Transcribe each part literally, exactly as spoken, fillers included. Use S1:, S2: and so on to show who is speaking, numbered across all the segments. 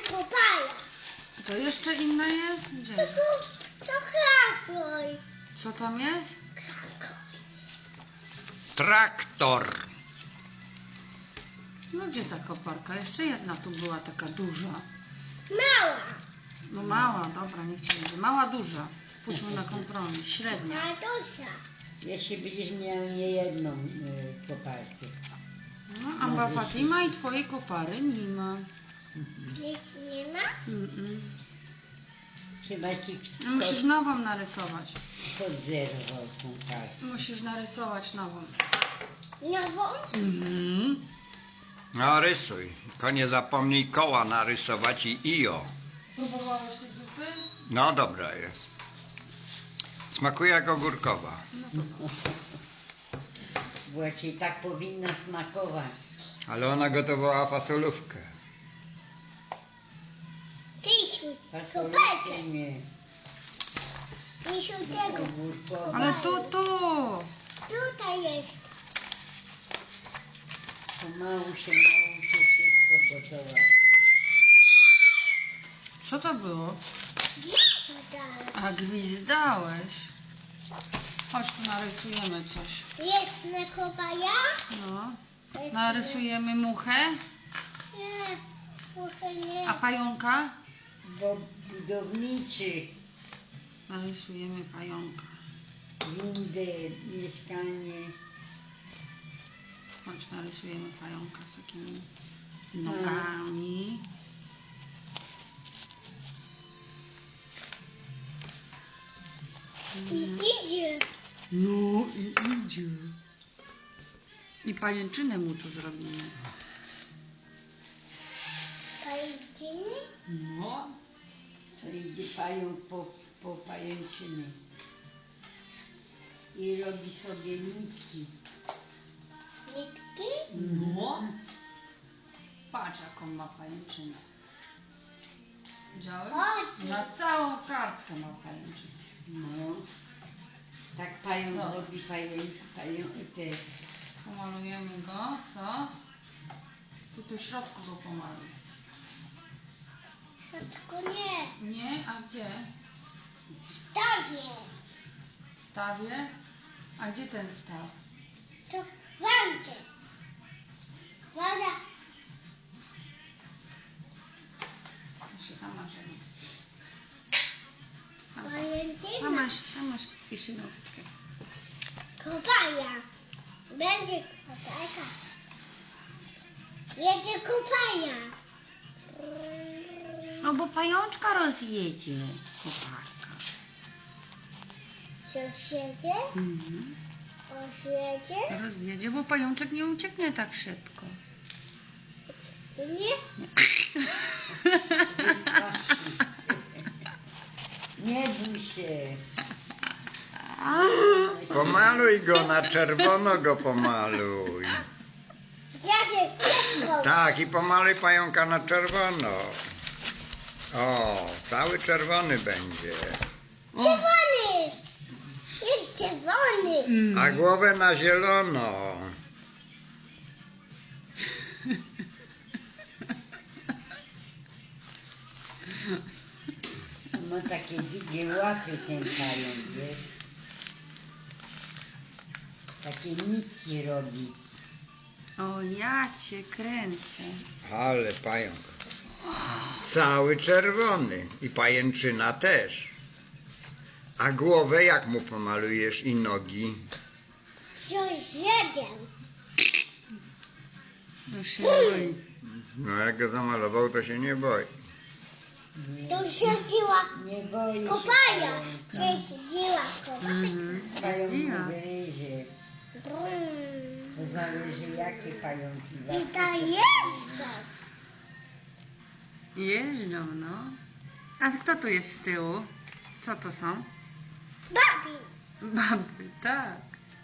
S1: kopaja.
S2: To jeszcze inna jest? Gdzie?
S1: To, to krakoj.
S2: Co tam jest?
S3: Traktor.
S2: No gdzie ta koparka? Jeszcze jedna tu była taka duża.
S1: Mała.
S2: No mała, dobra, niech ci będzie. Mała, duża. Pójdźmy na kompromis. Średnia.
S1: Tatusia.
S4: Jeśli będziesz miał nie jedną y, koparkę.
S2: No, Amba Fatima i twojej kopary nie ma.
S1: Nic nie ma?
S2: Mm -mm.
S4: Chyba ci
S2: No, musisz nową narysować.
S4: kot zerwał tą kartę.
S2: Musisz narysować nową.
S1: Nową?
S2: Mhm.
S3: No rysuj. Tylko nie zapomnij koła narysować i io.
S2: Próbowałeś tej zupy?
S3: No dobra jest. Smakuje jak ogórkowa.
S4: Właśnie tak powinna smakować.
S3: Ale ona gotowała fasolówkę.
S1: Tysiu.
S4: Fasolkę
S1: Koperkę.
S4: nie.
S1: Tysiu tego.
S4: Ogórkowa.
S2: Ale tu, tu.
S1: Tutaj jest.
S4: Pomału się nauczy wszystko gotować.
S2: Co to było?
S1: Gdzieś dalej.
S2: A gwizdałeś. Chodź tu narysujemy coś.
S1: Jest na kopaja?
S2: No. Narysujemy muchę.
S1: Nie. Muszę nie.
S2: A pająka?
S4: Bo budowniczy
S2: Narysujemy pająka.
S4: windę, mieszkanie.
S2: Chodź, narysujemy pająka z takimi nogami.
S1: I idzie.
S2: No i idzie. I pajęczynę mu tu zrobimy.
S1: Pajęczyny?
S2: No.
S4: To idzie pająk po, po pajęczyny. I robi sobie nitki.
S1: Nitki?
S2: No. Patrz, jaką ma pajęczynę. Widziałeś?
S1: Chodź.
S2: Na całą kartkę ma pajęczynę.
S4: No. Tak pająk
S2: No.
S4: robi pająk, pająk, te
S2: Pomalujemy go, co? Tu tu w środku go pomaluj.
S1: Tylko nie.
S2: Nie? A gdzie?
S1: Stawię.
S2: W stawie? A gdzie ten staw?
S1: To w wandzie. Wanda.
S2: Jeszcze tam masz jedno. Tam
S1: Pajęczyna.
S2: masz, tam masz jeszcze notkę.
S1: Kopaja. Będzie kopajka. Jedzie kopaja.
S2: No bo pajączka rozjedzie. Koparka.
S1: Sąsiedzie?
S2: Mhm.
S1: Osiedzie?
S2: Rozjedzie, bo pajączek nie ucieknie tak szybko.
S1: Nie?
S4: Nie bój się.
S3: Pomaluj go na czerwono, go pomaluj.
S1: Ja się szybko.
S3: Tak, i pomaluj pająka na czerwono. O, cały czerwony będzie.
S1: Czerwony! Jest czerwony.
S3: A głowę na zielono.
S4: Ma takie długie łapy ten pająk, wiesz? Takie nitki robi.
S2: O, ja cię kręcę.
S3: Ale pająk. Cały czerwony. I pajęczyna też. A głowę jak mu pomalujesz i nogi?
S1: Sąsiedzie.
S2: No się boi.
S3: No jak go zamalował, to się nie boi.
S1: To siedziła
S4: Nie boi się
S1: kopaja.
S4: pająka.
S1: Siedziła kopaja.
S2: Mhm.
S4: Pająk
S2: Jeździła.
S4: mu gryzie.
S1: Brum.
S4: To zależy jakie pająki.
S1: I ta jest.
S2: Jeżdżą, no. A kto tu jest z tyłu? Co to są?
S1: Babi.
S2: Baby, tak.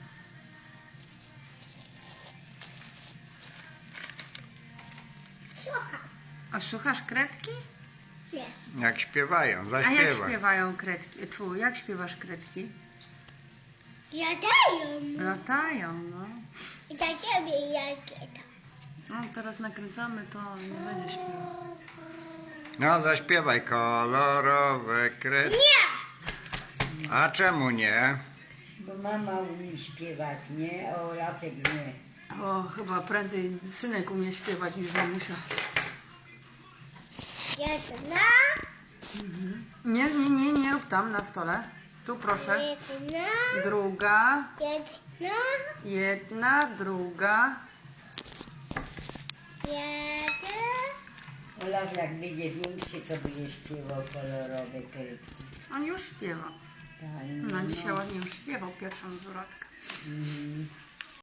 S1: Słuchaj.
S2: A słuchasz kredki?
S1: Nie.
S3: Jak śpiewają,
S2: A jak
S3: zaśpiewaj.
S2: śpiewają kredki? Tfu, jak śpiewasz kredki?
S1: Jadają.
S2: Latają, no.
S1: I dla siebie jak to.
S2: No, teraz nakręcamy, to nie będzie śpiewał.
S3: No, zaśpiewaj kolorowe kredki.
S1: Nie!
S3: A czemu nie?
S4: Bo mama umie śpiewać, nie? O, Rafek nie.
S2: O, chyba prędzej synek umie śpiewać niż mamusia.
S1: Jedna,
S2: Nie, nie, nie, nie rób tam na stole. Tu proszę.
S1: jedna,
S2: Druga,
S1: jedna,
S2: jedna, druga.
S1: jeden.
S4: Olaf jak będzie większy, to będzie śpiewał kolorowe kredki.
S2: On już śpiewa.
S4: Tak,
S2: No, dzisiaj ładnie już śpiewał pierwszą zwrotkę.
S4: Mm.